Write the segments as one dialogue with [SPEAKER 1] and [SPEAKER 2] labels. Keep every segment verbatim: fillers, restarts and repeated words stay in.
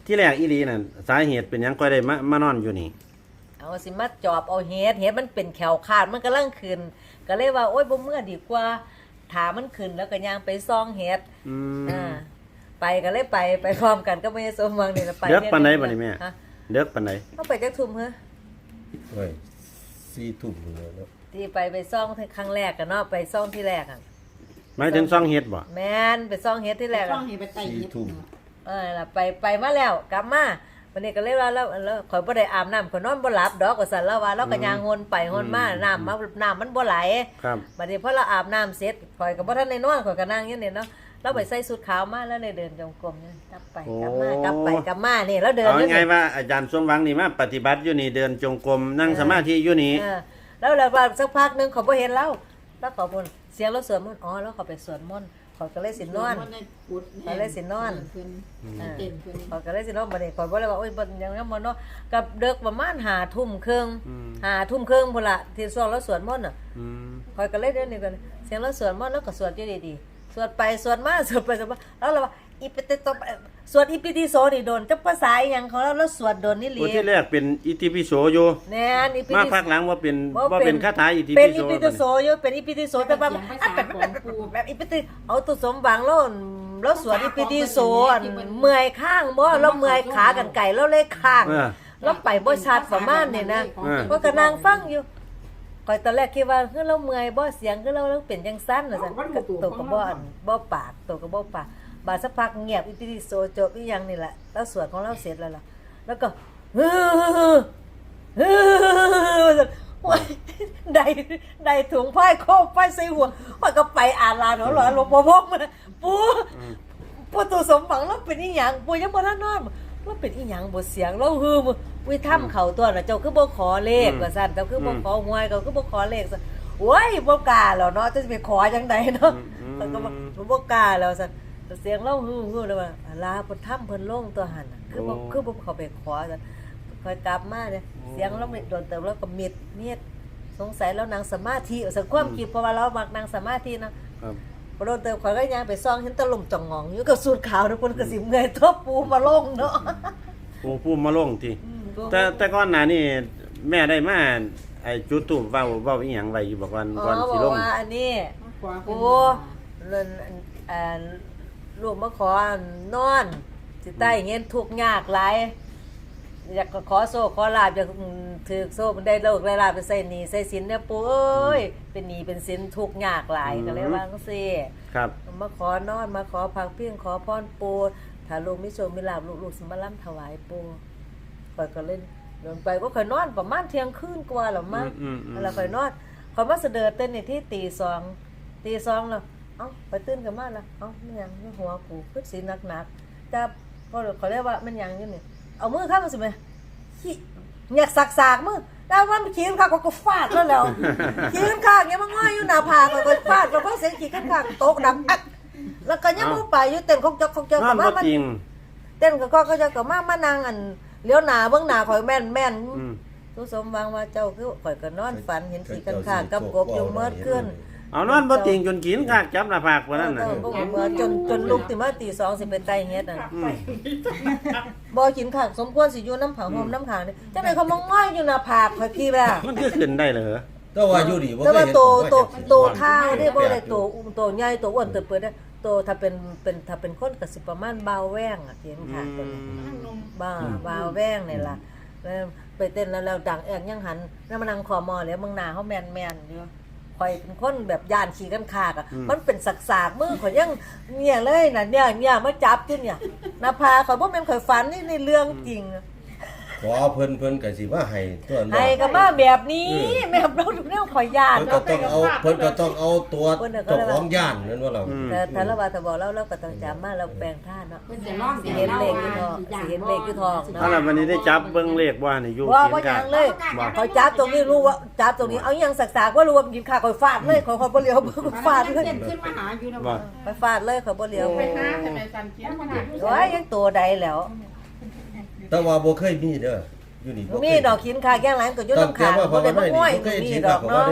[SPEAKER 1] ที่แรกอีหลีน่ะสาเหตุเป็นหยังก็ได้มามานอนอยู่นี่
[SPEAKER 2] เอาสิมาจอบเอาเฮ็ดเฮ็ดมันเป็นแขวขาดมันกำลังขึ้นก็เลยว่าโอ๊ยบ่เมื่อดีกว่าถามันขึ้นแล้วก็ย่างไปซ่องเฮ็ด
[SPEAKER 1] อืม
[SPEAKER 2] อ่าไปก็เลยไปไปพร้อมกันก็ไม่สมหวังนี่ล่ะไป
[SPEAKER 1] เด็กปานใดบัดนี้แม่เด็กปานใด
[SPEAKER 2] เฮาไปจักทุ่มเหรอ
[SPEAKER 3] โอ้ยสี่ทุ่มเลยเนาะ
[SPEAKER 2] ที่ไปไปซ่องครั้งแรกกันเนาะไปซ่องที่แรกอ่ะ
[SPEAKER 1] หมายถึงซ่องเฮ็ดบ่
[SPEAKER 2] แม่นไปซ่องเฮ็ดที่แรก
[SPEAKER 4] ช่องนี้ไปไต่เฮ็ด
[SPEAKER 2] เออล่ะไปไปมาแล้วกลับมาวันนี้ก็เลยว่าแล้วแล้วข่อยบ่ได้อาบน้ำข่อยนอนบ่หลับดอกก็สั่นแล้วว่าแล้วก็ย่างงนไปงนมาน้ำมาน้ำมันบ่ไหล
[SPEAKER 1] ครับ
[SPEAKER 2] บัดนี้พอเราอาบน้ำเสร็จข่อยก็บ่ทันได้นอนข่อยก็นั่งอยู่นี่เนาะเราไปใส่ชุดขาวมาแล้วเลยเดินจงกรมนี่กลับไปกลับมากลับไปกลับมานี่แล้วเดิน
[SPEAKER 1] เอาไงว่าอาจารย์สมหวังนี่มาปฏิบัติอยู่นี่เดินจงกรมนั่งสมาธิอยู่นี่
[SPEAKER 2] เออแล้วแล้วสักพักนึงเขาบ่เห็นเราแล้วเขาบ่นเสียงเราสวดมนต์อ๋อแล้วเขาไปสวดมนต์เขาก็เลยสินอนเขาเลยสินอนเขาก็เลยสินอนบัดนี้ข่อยบ่เลยว่าโอ๊ยบ่ยังยังบ่นอนกับเด็กประมาณห้าทุ่มครึ่งห้าทุ่มครึ่งพุ่นล่ะที่ช่วงเราสวดมนต์น่ะ
[SPEAKER 1] อืม
[SPEAKER 2] ข่อยก็เลยเดินนี่กันเสียงเราสวดมนต์แล้วก็สวดอยู่ดีๆสวดไปสวดมาสวดไปสวดมาแล้วเราว่าอีปิติโสสวดอีปิติโสนี่โดนจักภาษาอีหยังของเราแล้วสวดโดนนี่หลี
[SPEAKER 1] ผู้ที่แรกเป็นอิติปิโสอยู่
[SPEAKER 2] แน่นอีปิติ
[SPEAKER 1] มาภาคหลังว่าเป็นว่าเป็นคาถาอิติปิโส
[SPEAKER 2] เป็นอีปิติโสอยู่เป็นอีปิติโสแต่ว่าแบบแบบอีปิติเอาตุสมหวังแล้วแล้วสวดอีปิติโสเมื่อยข้างบ่แล้วเมื่อยขากันไก่แล้วเลยข้างแล้วไปบ่ชัดประมาณนี่นะก็ก็นั่งฟังอยู่ก่อยตอนแรกคิดว่าคือเราเมื่อยบ่เสียงคือเราเราเป็นจังซั่นน่ะซั่นตัวก็บ่บ่ปากตัวก็บ่ปากบาดสักพักเงียบอีปิติโสจบอีหยังนี่แหละแล้วสวดของเราเสร็จแล้วล่ะแล้วก็ฮึโอ้ยได้ได้ถุงผ้าโคบไฟใส่หัวมันก็ไปอ่านลานหรอหลวงพ่อพงมาปู่ปู่ตัวสมหวังแล้วเป็นอีหยังปู่ยังบ่ทันนอนแล้วเป็นอีหยังบ่เสียงแล้วฮืออุ้ยถ้ำเขาตัวน่ะเจ้าคือบ่ขอเลขว่าซั่นเจ้าคือบ่ขอหวยเจ้าคือบ่ขอเลขซั่นโอ้ยบ่กล้าแล้วเนาะจะไปขอจังไดเนาะมันก็บ่กล้าแล้วซั่นเสียงเล่าฮือๆแล้วว่าลาเพิ่นถ้ำเพิ่นลงตัวหั่นน่ะคือบ่คือบ่เข้าไปขอซั่นค่อยกลับมาเนี่ยเสียงเราโดนเติมแล้วก็มิดเมียดสงสัยแล้วนางสมาธิสังความคิดเพราะว่าเรามักนางสมาธินะครับพอโดนเติมข่อยก็ย่างไปซ่องเห็นตะลุ่มจ่องงองอยู่กับสูตรขาวทุกคนก็สิเมื่อยทบปูมาลงเนาะ
[SPEAKER 1] ปูปูมาลงติแต่แต่ก่อนหน้านี้แม่ได้มาไอ้จุดทูปเว้าเว้าอีหยังไว้อยู่บอกว่าก่อนสิลง
[SPEAKER 2] อ๋อบอกว่าอันนี้ปูเล่นเอ่อลูกมาขอนอนสิใต้เงินทุกข์ยากหลายอยากขอโซ่ขอลาบอยากถือโซ่มันได้โลกได้ลาบไปใส่หนี้ใส่สินเนี่ยปู่เอ้ยเป็นหนี้เป็นสินทุกข์ยากหลายก็เลยว่าจังซี่
[SPEAKER 1] ครับ
[SPEAKER 2] มาขอนอนมาขอพักเพียงขอพรปู่ถ้าลูกมีโชคมีลาบลูกๆสิมาล้ำถวายปู่ข่อยก็เล่นเดินไปก็ข่อยนอนประมาณเที่ยงคืนกว่าแล้วมั้งแล้วข่อยนอนข่อยมาเสด็จเต้นนี่ที่ตีสองตีสองแล้วเอ้าไปตื่นกันมาแล้วเอ้ามันหยังในหัวกูคือสิหนักๆแต่ก็เขาเรียกว่ามันหยังอยู่นี่เอามือข้างมันสิแม่ขี้อยากสักๆมือแต่ว่ามันขี้ข้างก็ฟาดแล้วแล้วขี้ข้างอย่างมันง่อยอยู่หน้าผากก็ฟาดแล้วก็เสียงขี้ข้างตกดังอักแล้วก็ยังมือไปอยู่เต้นคงจะคงจะกับมามันเต้นก็ก็จะกับมามานั่งอันเลี้ยวหน้าเบิ่งหน้าข่อยแม่นแม่นทุสมหวังว่าเจ้าคือข่อยก็นอนฝันเห็นขี้ข้างกับกบอยู่เมื่อคืน
[SPEAKER 1] เอานอนบ่ติงจนกินคากจับหน้าผากว่านั้นน่ะ
[SPEAKER 2] จนจนลุกติมาตีสองสิไปไต่เฮ็ดน่ะบ่กินคากสมควรสิอยู่น้ำผาห่มน้ำขางนี่จังได๋เขามองง่อยอยู่หน้าผากข่อยพี่ว่า
[SPEAKER 1] มันคือขึ้นได้เหรอ
[SPEAKER 3] แต่ว่าอยู่ดีบ่
[SPEAKER 2] เคยเห็นแต่ว่าโตโตโตเท่าเด้บ่ได้โตอุ้มโตใหญ่โตอ้วนเติบเปิดได้โตถ้าเป็นเป็นถ้าเป็นคนก็สิประมาณบ่าวแว้งอ่ะเห็นค่ะเป็นบ่าบ่าวแว้งนี่ล่ะแล้วไปเต้นแล้วแล้วดังแอกยังหันแล้วมานั่งคอมอแล้วมึงหน้าเฮาแม่นๆอยู่ข่อยเป็นคนแบบย่านขี้กันคากอ่ะมันเป็นสากๆมือข่อยยังเนี่ยเลยน่ะเนี่ยเนี่ยมาจับอยู่เนี่ยหน้าผากข่อยบ่แม่นข่อยฝันนี่ในเรื่องจริง
[SPEAKER 3] ขอเพิ่นเพิ่นก็สิว่าให้ตัว
[SPEAKER 2] นั้นให้ก็มาแบบนี้แม่เราทุกแนวข่อยย่าน
[SPEAKER 3] เพิ่นก็ต้องเอาเพิ่นก็ต้องเอาตัวเจ้าของย่านนั่นว่าเรา
[SPEAKER 2] แต่ถ้าเราว่าถ้าบอกเราเราก็ต้องจำมาเราแปลงท่าเนาะสิเห็นเลขอยู่ทองสิเห็นเลขอยู่ทองเนาะ
[SPEAKER 1] เอาล่ะวันนี้ได้จับเบิ่งเลขว่านี่อยู่
[SPEAKER 2] ว่าบ่ยังเลยเขาจับตรงนี้รู้ว่าจับตรงนี้เอายังสักๆว่ารู้ว่ากินข้าวข่อยฟาดเลยข่อยข่อยบ่เหลียวฟาดเลย
[SPEAKER 4] ขึ้นมาหาอยู่นะ
[SPEAKER 2] ไปฟาดเลยข่อยบ่เหลียว
[SPEAKER 4] ไปหาทำไมสั่นเขียนมาหา
[SPEAKER 2] โอ้ยยังตัวใดแล้ว
[SPEAKER 3] แต่ว่าบ่เคยมีเด้ออยู่นี่
[SPEAKER 2] มีดอกขินคาแก้งหลังก็อยู่นำขาบ่ได้บ่ห้อยมีดอกเนาะ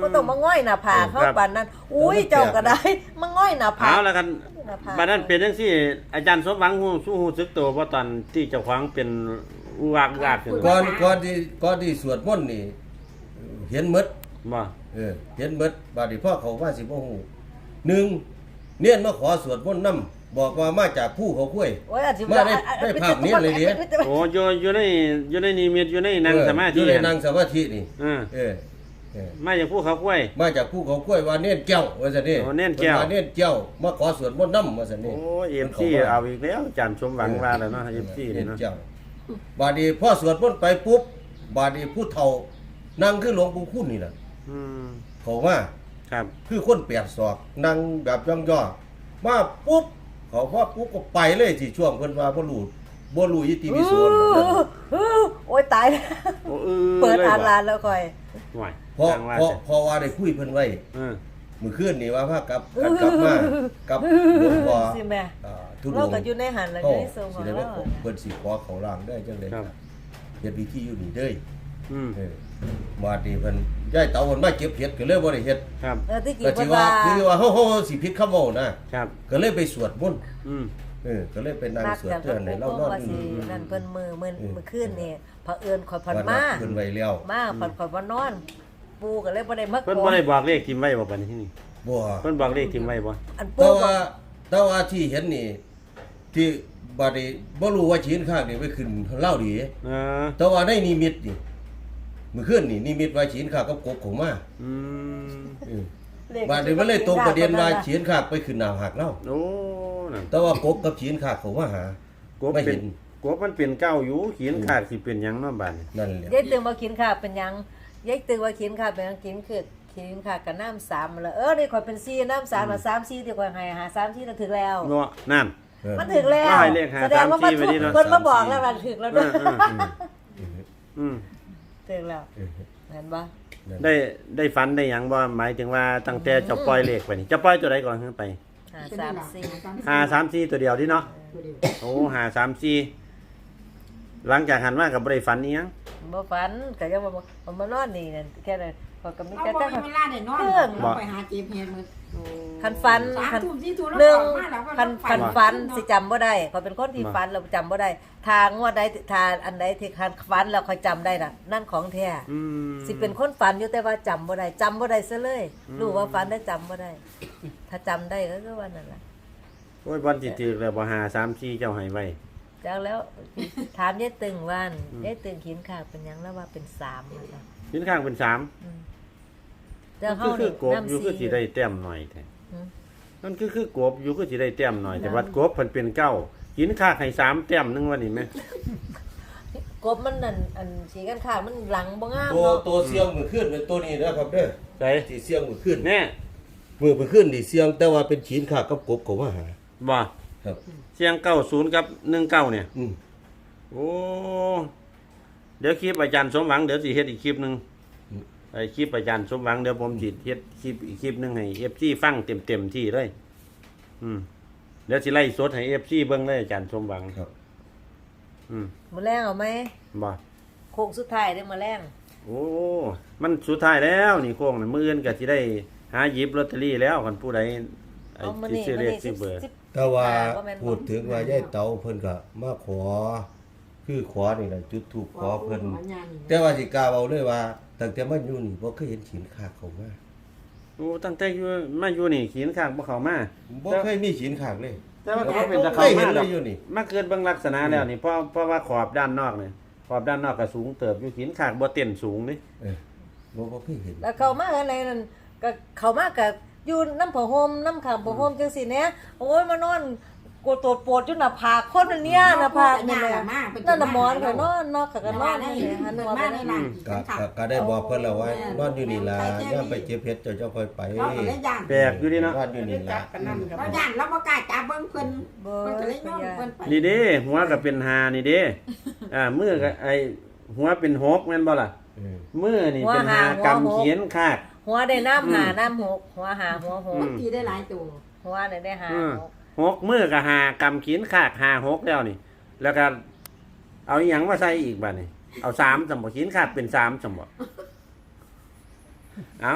[SPEAKER 2] บ่ต้องมาง่อยหน้าผากเฮาปานนั้นอุ้ยเจ้าก็ได้มาง่อยหน้าผาก
[SPEAKER 1] เอาแล้วกัน
[SPEAKER 2] หน้าผาก
[SPEAKER 1] บัดนั้นเป็นจังซี่อาจารย์สมหวังฮู้สู้ฮู้สึกตัวบ่ตอนที่เจ้าของเป็นอุวากอุวากขึ้น
[SPEAKER 3] ก่อนก่อนที่ก่อนที่สวดมนต์นี่เห็นหมด
[SPEAKER 1] บ่
[SPEAKER 3] เออเห็นหมดบาดนี้พ่อเขาว่าสิบ่ฮู้หนึ่งเนียนมาขอสวดมนต์นำบอกว่ามาจากผู้เขาคุ้ย
[SPEAKER 2] โอ้ยอาจสิ
[SPEAKER 3] มาได้ได้ภาพนี้เลยดิ
[SPEAKER 1] โอ้อยู่อยู่ในอยู่ในนิมิตอยู่ในนั่งสมาธิ
[SPEAKER 3] อยู่ในนั่งสมาธินี่
[SPEAKER 1] เออ
[SPEAKER 3] เออเออ
[SPEAKER 1] มาจากภูเขากล้วย
[SPEAKER 3] มาจากผู้เขาคุ้ยว่าเนียนแก้วว่าซั่นนี่
[SPEAKER 1] โอ้เนียนแก้ว
[SPEAKER 3] พิ่ว่าเนียนแก้วมาขอสวดมนต์นำว่าซั่นนี่
[SPEAKER 1] โอ้เอฟซีเอาอีกแล้วอาจารย์สมหวังว่าแล้วเนาะเอฟซี
[SPEAKER 3] เนีย
[SPEAKER 1] นี่
[SPEAKER 3] น
[SPEAKER 1] เนาะ
[SPEAKER 3] แก้วบาดนี้พ่อสวดมนต์ไปปุ๊บบาดนี้ผู้เฒ่านั่งคือหลวงปู่คุณนี่ล่ะ
[SPEAKER 1] อืม
[SPEAKER 3] เขาว่า
[SPEAKER 1] ครับ
[SPEAKER 3] คือคนแปดศอกนั่งแบบย่องย่อมาปุ๊บเขาว่าปุ๊บก็ไปเลยที่ช่วงเพิ่นว่าบ่รู้บ่รู้ยิติวิโส
[SPEAKER 2] โอ้ยตายแล้ว
[SPEAKER 1] โอ้เออ
[SPEAKER 2] เปิด
[SPEAKER 1] ลย
[SPEAKER 2] อ่าน
[SPEAKER 1] บ่
[SPEAKER 2] ร้านแล้วค่อย
[SPEAKER 1] ห่วย
[SPEAKER 3] เพราะ
[SPEAKER 1] ทางว่า
[SPEAKER 3] เพราะ
[SPEAKER 1] จะ
[SPEAKER 3] เพราะว่าได้คุยเพิ่นไว้
[SPEAKER 1] เออ
[SPEAKER 3] มื้อคืนนี่ว่าพากับกันกลับมากับหลวงพ่อ
[SPEAKER 2] สิแม่
[SPEAKER 3] อ่าทุด
[SPEAKER 2] เรา
[SPEAKER 3] ง
[SPEAKER 2] ก็อยู่ในหันแล้วอ
[SPEAKER 3] เขา
[SPEAKER 2] ยู่ในทรงข
[SPEAKER 3] สิ
[SPEAKER 2] อง
[SPEAKER 3] ได้
[SPEAKER 2] เรา
[SPEAKER 3] ไปเพิ่นสิขอเขาล่างได้จังได๋
[SPEAKER 1] ครับ
[SPEAKER 3] เฮ็ดพิธีอยู่นี่เด้อ
[SPEAKER 1] อืม
[SPEAKER 3] เออมาดีเพิ่นย้ายเตาเพิ่นมาเก็บเห็ดก็เลยบ่ได้เฮ็ด
[SPEAKER 1] ครับ
[SPEAKER 2] เออที่กี่
[SPEAKER 3] ก็
[SPEAKER 2] ค
[SPEAKER 3] สิ
[SPEAKER 2] น
[SPEAKER 3] ว่า
[SPEAKER 2] ว่า
[SPEAKER 3] คือว่าเฮาๆสิผิดคำเว้านะครับ ก็เลยไปสวดมนต์
[SPEAKER 1] อืม
[SPEAKER 3] เออก็เลยไปนั่ง
[SPEAKER 2] นัก
[SPEAKER 3] สวด
[SPEAKER 2] จาก
[SPEAKER 3] เทื่อให้เรานอน
[SPEAKER 2] ว่า
[SPEAKER 3] อ
[SPEAKER 2] สิ
[SPEAKER 3] ยู่
[SPEAKER 2] นั่นเพิ่นมือมื้อ
[SPEAKER 3] เออ
[SPEAKER 2] มื้อคืนนี่เผอิญข่อยผ่อน
[SPEAKER 3] วัน
[SPEAKER 2] มา
[SPEAKER 3] นัดเพิ่นไว้แล้ว
[SPEAKER 2] มาผ่อนข่อยบ่นอน ปูก็เลยบ่ได้มา
[SPEAKER 1] เพิ่นบ่ได้บอกเลขทิมไว้บ่บัดนี้ที่นี่
[SPEAKER 3] บ่
[SPEAKER 1] เพิ่นบอกเลขทิมไว้บ่
[SPEAKER 2] อันปู
[SPEAKER 3] แต่
[SPEAKER 2] บอ
[SPEAKER 3] ว่าก แต่ว่าที่เห็นนี่ ที่บัดนี้บ่รู้ว่าชีนข้างนี่ไปขึ้นเล่าดี
[SPEAKER 1] เออ
[SPEAKER 3] แต่ว่าในนิมิตนี่มื้อคืนนี่นิมิตว่าชีนข้างกับกบของมา
[SPEAKER 1] อืม
[SPEAKER 3] เออบัดนี้มันเลยตรงประเด็นว่าชีนข้างไปขึ้นหน้าหักเล่า
[SPEAKER 1] โอ้นั่น
[SPEAKER 3] แต่ว่ากบกับชีนข้างเขามาหา
[SPEAKER 1] กบ
[SPEAKER 3] ไม่
[SPEAKER 1] เป็
[SPEAKER 3] เห็
[SPEAKER 1] น
[SPEAKER 3] น
[SPEAKER 1] กบมันเป็นเก้าอยู่ขีนขาดสิเป็นหยังเนาะบัดนี้
[SPEAKER 3] นั่นแหละ
[SPEAKER 2] ยายตึงว่ากินข้าวเป็นหยังยายตึงว่ากินข้าวเป็นหยังกินคือกินข้าวกับน้ำสามมาแล้วเออนี่ข่อยเป็นสี่น้ำสามมาสามสี่ที่ข่อยให้หาสามสี่น่ะถึงแล้ว
[SPEAKER 1] เนาะนั่น
[SPEAKER 3] เออ
[SPEAKER 2] มันถึงแล้ว
[SPEAKER 1] ว่าให้เลขหา
[SPEAKER 2] แสดงว่ามัน
[SPEAKER 1] สามสี่ไว้นี่เนอะ
[SPEAKER 2] เพิ่นมาบอกแล้วว่าถึงแล้ว
[SPEAKER 1] เอ
[SPEAKER 2] เด้อ
[SPEAKER 1] อเอออืม
[SPEAKER 2] ถึงแล้ว
[SPEAKER 3] เออ
[SPEAKER 2] เห็นบ่
[SPEAKER 3] นั่น
[SPEAKER 1] ได้ได้ฝันได้หยังบ่หมายถึงว่าตั้งแต่จะปล่อยเลขไปนี่จะปล่อยตัวใดก่อนขึ้นไป
[SPEAKER 2] หาสามสี่
[SPEAKER 1] ห้าสามสี่ตัวเดียวที่เนาะโอ้ห้าสามสี่หลังจากหันมากับบ่ได้ฝันอีหยัง
[SPEAKER 2] บ่ฝันก็ยังบ่บ่มานอนนี่นั่นแค่นั้นข่อยก็มี
[SPEAKER 4] เรา
[SPEAKER 2] แต่
[SPEAKER 4] บ่
[SPEAKER 2] แต่
[SPEAKER 4] มีเวลาได้นอนเราไปหาเจ็บเฮ็ดมื้อ
[SPEAKER 2] คันฝัน
[SPEAKER 4] สาม
[SPEAKER 2] คัน
[SPEAKER 4] ทุ่มสี่ทุ่มแล้ว
[SPEAKER 2] เรื่อง
[SPEAKER 4] ออกมาแล้วก็
[SPEAKER 2] คัน
[SPEAKER 4] ต้อง
[SPEAKER 2] คัน
[SPEAKER 4] ฝั
[SPEAKER 2] ฝัน
[SPEAKER 4] น
[SPEAKER 2] สิจำบ่ได้ข่อยเป็นคนที่ฝันแล้วจำบ่ได้ทางว่าใดทางอันใดที่คันฝันแล้วค่อยจำได้น่ะนั่นของแท้
[SPEAKER 1] อืม
[SPEAKER 2] สิเป็นคนฝันอยู่แต่ว่าจำบ่ได้จำบ่ได้ซะเลยรู้ว่าฝันได้จำบ่ได้ ถ้าจำได้ก็คือว่านั่นล่ะ
[SPEAKER 1] โอ้ยบอลสิถือแล้วบ่ห้าสามสี่เจ้าให้ไว้
[SPEAKER 2] จากแล้วถามยายตึงว่านยายตึงขินขากเป็นหยังแล้วว่าเป็นสามนะคะ
[SPEAKER 1] ยืนข้างเป็นสาม
[SPEAKER 2] แต่
[SPEAKER 1] คื
[SPEAKER 2] เฮา
[SPEAKER 1] อคื
[SPEAKER 2] นี่
[SPEAKER 1] อกบอยู่
[SPEAKER 2] น้ำ
[SPEAKER 1] คือสิ
[SPEAKER 2] ซี
[SPEAKER 1] ได้แต้มหน่อยแท้
[SPEAKER 2] อืม
[SPEAKER 1] นั่นคือคือกบอยู่คือสิได้แต้มหน่อย แต่ว่ากบเพิ่นเป็นเก้ากินข้างให้สามแต้มหนึงว่านี่แม่
[SPEAKER 2] กบมันนั่นอันสีกันขาดมันหลังบ่งาม
[SPEAKER 3] ตัว
[SPEAKER 2] เนาะ
[SPEAKER 3] ตัวเสียงมือขึ้นเป็นตัวนี้นะครับเด้อ
[SPEAKER 1] ใส่
[SPEAKER 3] ที่เสียงมือขึ้น
[SPEAKER 1] แน่
[SPEAKER 3] มือมือขึ้นนี่เสียงแต่ว่าเป็นฉีนขากับกบเขามาหา
[SPEAKER 1] บ่
[SPEAKER 3] ครับ
[SPEAKER 1] เสียงเก้าศูนย์กับหนึ่งเก้าเนี่ย
[SPEAKER 3] อืม
[SPEAKER 1] โอ้เดี๋ยวคลิปอาจารย์สมหวังเดี๋ยวสิเฮ็ดอีกคลิปหนึงไอ้คลิปอาจารย์สมหวังเดี๋ยวผมสิเฮ็ดคลิปอีกคลิปหนึงให้ เอฟ ซี ฟังเต็มๆที่เลย อืมเดี๋ยวสิไล่สดให้ เอฟ ซี เบิ่งเลยอาจารย์สมหวัง
[SPEAKER 3] ครับ
[SPEAKER 1] อืม
[SPEAKER 2] มื้อแรงเอาไหม
[SPEAKER 1] บ่
[SPEAKER 2] โค้งสุดท้ายได้อมื้อแรง
[SPEAKER 1] โอ้มันสุดท้ายแล้วนี่โค้งน่ะมื้ออื่นก็สิได้หาหยิบลอตเตอรี่แล้วคันผู้ใดไอ้
[SPEAKER 2] เอามื้อ
[SPEAKER 1] สิ
[SPEAKER 2] นี้
[SPEAKER 1] ซื้อ
[SPEAKER 2] มื้
[SPEAKER 1] เล
[SPEAKER 2] อ
[SPEAKER 1] ข
[SPEAKER 2] นี้
[SPEAKER 1] ซื้อเบอร์
[SPEAKER 2] สิบ
[SPEAKER 3] แต่ว่า
[SPEAKER 2] บ่แม่นบ่
[SPEAKER 3] พูดถึงว่ายายเต๋าเพิ่นก็มาขอ คือขอนี่แหละจุดถูกขอเพิ่นแต่ว่าสิกล้าเว้าเลยว่าตั้งแต่มาอยู่นี่บ่เคยเห็นฉีนขาเขามา
[SPEAKER 1] โอ้ตั้งแต่อยู่มาอยู่นี่ขีนข้างบ่เข้ามา
[SPEAKER 3] บ่เคยมีฉีนขากเลย
[SPEAKER 1] แต่ว่าก็บ่เป็นตะ
[SPEAKER 3] เค
[SPEAKER 1] เข้าย
[SPEAKER 3] เห็
[SPEAKER 1] มาน ด
[SPEAKER 3] เล
[SPEAKER 1] อก
[SPEAKER 3] ยอยู่นี่
[SPEAKER 1] มาเกิดเบิ่งลักษณะแล้วนี่เพราะเพราะว่าขอบด้านนอกนี่ขอบด้านนอกก็สูงเติบอยู่ขีนข้างบ่เต้นสูงนี่
[SPEAKER 3] เออบ่บ่เคยเห็น
[SPEAKER 2] แล้วเข้ามาอะไรนั่นก็เข้ามาก็อยู่น้ำผ้าห่มน้ำขามผ้าห่มจังซี่แหน่โอ้ยมานอนกดตัวปวดอยู่หน้าผากคนอันเนี้ยหน้าผากนี่แหละนั่นน่ะหมอนก็นอนนอกก็นอนนี่หันหัวไปนั่น
[SPEAKER 3] ก็ก็ก็ได้บอกเพิ่นแล้วว่านอนอยู่นี่ล่ะย่ามไปเจ็บเฮ็ดเจ้าเจ้าค่อยไป
[SPEAKER 4] เราก็เลยย่าน
[SPEAKER 1] แปลกอยู่ดิเนาะ
[SPEAKER 3] นอนอยู่นี่ล่ะ
[SPEAKER 4] เราย่านเราบ่กล้าจับเบิ่งเพิ่นเพิ่นก็เลยย้อนเพิ่นไป
[SPEAKER 1] นี่เด้หัวก็เป็นหานี่เด้อ่ามือก็ไอ้หัวเป็นหกแม่นบ่ล่ะ
[SPEAKER 3] เออ
[SPEAKER 1] มือนี่เป็นหากำเขียนคาก
[SPEAKER 2] หัวได้น้ำหาน้ำหกหัวหาหัวหก
[SPEAKER 4] บางทีได้หลายตัว
[SPEAKER 2] หัวได้ได้หา
[SPEAKER 1] อืม
[SPEAKER 2] หก
[SPEAKER 1] หกมือก็หากำเขียนคากหาหกแล้วนี่ แล้วก็เอาอีหยังมาใส่อีกบัดนี่เอาสามสมบ่เขียนคากเป็นสามสมบ่เอา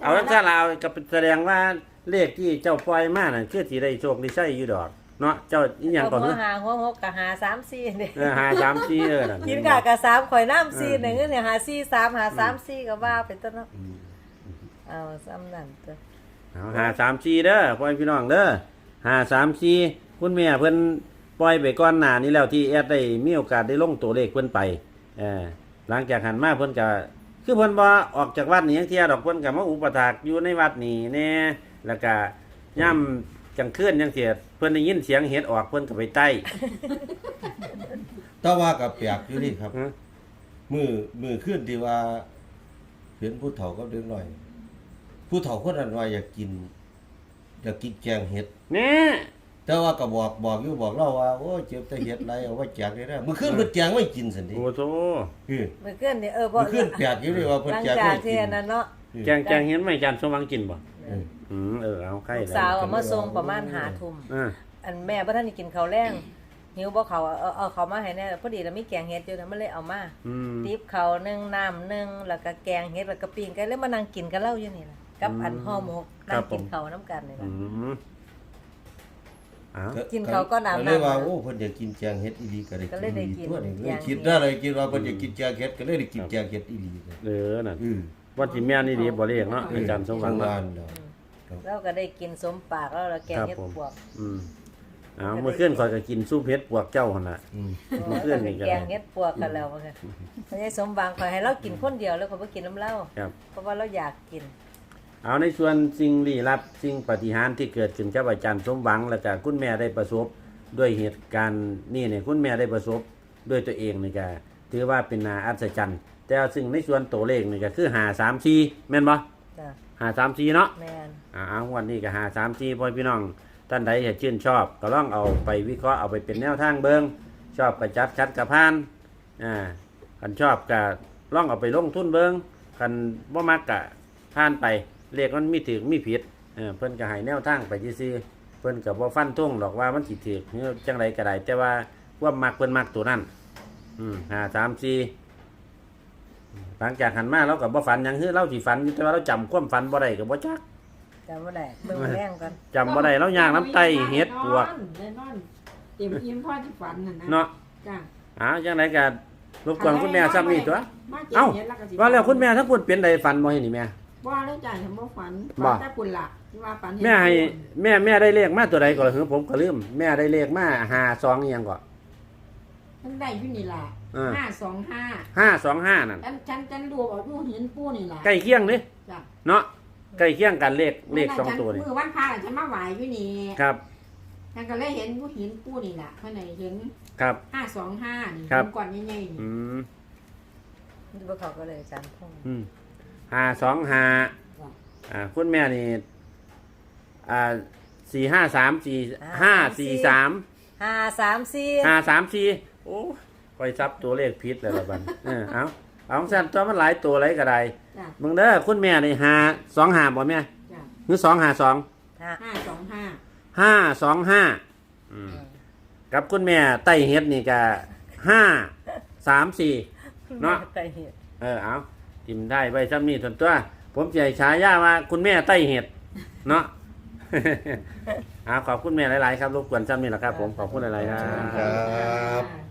[SPEAKER 1] เอาซะแล้วก็แสดงว่าเลขที่เจ้าปล่อยมานั่นคือสิได้โชคได้ใช้อยู่ดอกเนาะเจ้าอีหยังก่อน
[SPEAKER 2] หั
[SPEAKER 1] เน
[SPEAKER 2] ว
[SPEAKER 1] อะ
[SPEAKER 2] หาหัวหกกับหาสามสี่เนี่ย
[SPEAKER 1] เออหาสามสี่เออนั่น
[SPEAKER 2] กินกะกับสามข่อยน้ำสี่หนึ่งเนี่ยหาสี่สามหาสามสี่ก็ว่าเป็นต้นเนาะเอาซ้ำนั่นจ้ะ
[SPEAKER 1] เอาหาสามสี่เด้อพ่อพี่น้องเด้อหาสามสี่คุณแม่เพิ่นปล่อยไปก่อนหน้านี้แล้วที่แอดได้มีโอกาสได้ลงตัวเลขเพิ่นไปเออหลังจากหันมาเพิ่นก็คือเพิ่นบ่ออกจากวัดนี่ยังเที่ยดอกเพิ่นก็มาอุปถากอยู่ในวัดนี่แน่แล้วก็ย่ำจังคืนจังเสียเพิ่นได้ยินเสียงเห็ดออกเพิ่นก็ไปใต้
[SPEAKER 3] แต่ว่าก็แปลกอยู่นี่ครับ
[SPEAKER 1] ฮะ
[SPEAKER 3] มือมือขึ้นที่ว่าเห็นผู้เฒ่ากับเด็กน้อย ผู้เฒ่าคนนั้นว่าอยากกินอยากกินแกงเห็ด
[SPEAKER 1] แน่
[SPEAKER 3] แต่ว่าก็บอกบอกอยู่บอกเราว่าโอ้ยเจ็บแต่เห็ดไรเอาไว้แจกได้แล้วมื้อคืนเพิ่นแจกไว้กินซั่นดิ
[SPEAKER 1] โอ้โธ
[SPEAKER 3] เออ
[SPEAKER 2] เมื่อคืนนี่เออบ่
[SPEAKER 3] มื้อคืนแปลกอยู่นี่ว่าเพิ่น
[SPEAKER 2] หลัง
[SPEAKER 3] แจก
[SPEAKER 2] จา
[SPEAKER 3] ไว้
[SPEAKER 2] ก
[SPEAKER 3] กิ
[SPEAKER 2] ที่
[SPEAKER 3] น
[SPEAKER 2] อันนั้นเนาะ
[SPEAKER 1] แจงแจงเห็นไหมอาจารย์สมหวังกินบ่
[SPEAKER 3] เออ
[SPEAKER 1] อืมเออเอาไข่
[SPEAKER 2] ลูก
[SPEAKER 1] เลย
[SPEAKER 2] สาวเอามาส่งประมาณหาทุ่ม
[SPEAKER 1] อ่า
[SPEAKER 2] อันแม่บ่ทันได้กินข้าวแรงหิวบ่เขาวเอาเอาเขาวมาให้แน่พอดีแล้วมีแกงเห็ดอยู่นะมันเลยเอามา
[SPEAKER 1] อืม
[SPEAKER 2] ติบเขาวหนึ่งน้ำหนึ่งแล้วก็แกงเห็ดแล้วก็ปิ้งกันแล้วมานั่งกินกันเล่าอยู่นี่ล่ะกับอันห่อหมกนั่งกินข้าวน้ำกันนี่
[SPEAKER 1] อื
[SPEAKER 2] ล่ะ
[SPEAKER 1] มเอา
[SPEAKER 2] กินข้าวก็น้ำ
[SPEAKER 3] ก็เลยว่า
[SPEAKER 2] น้ำ
[SPEAKER 3] โอ้เพิ่นอยากกินแกงเห็ดอีหลีก็ได้
[SPEAKER 2] ก็เลยได้
[SPEAKER 3] อีห
[SPEAKER 2] กิน
[SPEAKER 3] ตัวนี้เลย
[SPEAKER 2] แกง
[SPEAKER 3] คิดได้เลยคิดว่าเพิ่นอยากกินแกงเห็ดก็เลยได้กินแกงเห็ดอีหลีเลย
[SPEAKER 1] เออนั่น
[SPEAKER 3] อือ
[SPEAKER 1] ว่าสิแม่นนี่ดีบ่เรียกเนาะอาจารย์สมหวังเนาะ
[SPEAKER 3] เนาะ
[SPEAKER 2] แล้วก็ได้กินสมปากแล้วแล้วแกงเห็ดปวก
[SPEAKER 1] อืมเอาเมื่อคืนข่อยก็กินซุปเห็ดปวกเจ้าหั่นน่ะ
[SPEAKER 3] อืม
[SPEAKER 1] เมื่อคืนนี่ก็
[SPEAKER 2] แกงเห็ดปวกกันแล้วว่าค่ะไม่ใช่สมบางคอยให้เรากินคนเดียวแล้วเขาบ่กินน้ำเหล้า
[SPEAKER 1] ครับ
[SPEAKER 2] เพราะว่าเราอยากกิน
[SPEAKER 1] เอาในส่วนสิ่งลี้ลับสิ่งปาฏิหาริย์ที่เกิดขึ้นกับอาจารย์สมหวังแล้วก็คุณแม่ได้ประสบด้วยเหตุการณ์นี่เนี่ยคุณแม่ได้ประสบด้วยตัวเองนี่ก็ถือว่าเป็นนาอัศจรรย์แต่ซึ่งในส่วนตัวเลขนี่ก็คือหาสามสี่แม่นบ่
[SPEAKER 2] จ้ะ
[SPEAKER 1] หาสามสี่เนาะ
[SPEAKER 2] แม่น
[SPEAKER 1] อ่าวันนี้ก็หาสามสี่พ่อพี่น้องท่านใดอยากชื่นชอบก็ลองเอาไปวิเคราะห์เอาไปเป็นแนวทางเบิงชอบก็จัดคัดกับพานอ่าคันชอบก็ลองเอาไปลงทุนเบิงคันบ่มักก็ผ่านไปเลขมันมีถึงมีผิดเออเพิ่นก็ให้แนวทางไปซื่อๆเพิ่นก็บ่ฟันธงหรอกว่ามันสิถูกหรือจังไดก็ได้แต่ว่าความมักเพิ่นมักตัวนั้นอืมหาสามสี่หลังจากหันมาเราก็บ่ฝันหยังคือเราสิฝันอยู่แต่ว่าเราจำความฝันบ่ได้ก็บ่จัก
[SPEAKER 2] จำบ่ได้เบิ่งแรงก่อน
[SPEAKER 1] จำบ่ได้แล้วย่างน้ำไตเฮ็ดปวก
[SPEAKER 4] ได้นอนเต็มอิ่มพ่อที่ฝันน่ะนะ
[SPEAKER 1] เนาะ
[SPEAKER 4] จ้ะ
[SPEAKER 1] อ้าวจังไดก็รบกวนคุณแม่ซ้ำนี่ตัว
[SPEAKER 4] มาเก็บ
[SPEAKER 1] เอ้า
[SPEAKER 4] เห็ดแล้วก็สิ
[SPEAKER 1] ว่าแล้วคุณแม่ถ้าพูดเป็นใดฝันบ่เห็นนี่แม่
[SPEAKER 4] ว่าแล้วจ้ะฉันบ่ฝัน
[SPEAKER 1] บ่
[SPEAKER 4] ฝันแต่ปุ่นล่ะที่ว่าฝันเห็น
[SPEAKER 1] แม่ให้แม่แม่ได้เลขมาตัวใดก่อนเหรอผมก็ลืมแม่ได้เลขมาห้าสองอีหยังก่อน
[SPEAKER 4] ฉันได้อยู่นี่ล่ะ
[SPEAKER 1] อ่า
[SPEAKER 4] ห้าสองห้า
[SPEAKER 1] ห้าสองห้านั่น
[SPEAKER 4] ฉันฉันฉันดูออกดูเห็นปูนี่ล่ะ
[SPEAKER 1] ใกล้เคียงนี่
[SPEAKER 4] จ้ะ
[SPEAKER 1] เนาะใกล้เคียงกันเลขเลขสองตัวนี่
[SPEAKER 4] มือวันพระฉันมาไหวอยู่นี่
[SPEAKER 1] ครับ
[SPEAKER 4] ฉันก็เลยเห็นผู้เห็นปูนี่ล่ะเพิ่นน่ะเห็น
[SPEAKER 1] ครับ
[SPEAKER 4] ห้าสองห้านี่
[SPEAKER 1] ครับ
[SPEAKER 4] เห็นก่อนใหญ่ๆนี่
[SPEAKER 1] อืม
[SPEAKER 2] บ่เขาก็เลยอาจารย์พง
[SPEAKER 1] อืมห้าสองห้าอ่าคุณแม่นี่อ่าสี่ห้าสามสี่ห้าสี่สาม
[SPEAKER 2] ห้าสามสี่
[SPEAKER 1] ห้าสามสี่โอ้คอยซับตัวเลขผิดเลยละบัดเออเอาเอาสั้นตัวมันหลายตัวไรก็ได้
[SPEAKER 4] จ้ะ
[SPEAKER 1] มึงเด้อคุณแม่นี่ห้าสองห้าบ่แม่
[SPEAKER 4] จ้ะ
[SPEAKER 1] หรือสองห้าสอง
[SPEAKER 2] ห้า
[SPEAKER 4] ห้าสองห้า
[SPEAKER 1] ห้าสองห้ากับคุณแม่ไต้เฮ็ดนี่ก็ห้าสามสี่เนาะ
[SPEAKER 2] ไปเฮ็ด
[SPEAKER 1] เออเอาทิมได้ไว้ซ้ำนี่ส่วนตัว ผมจะให้ฉายาว่าคุณแม่ไต้เห็ดเนาะ เอาขอบคุณแม่หลาย ๆ ครับรบกวนซ้ำนี่แหละครับ ผมขอบคุณหลาย ๆ ครับ
[SPEAKER 3] ครับ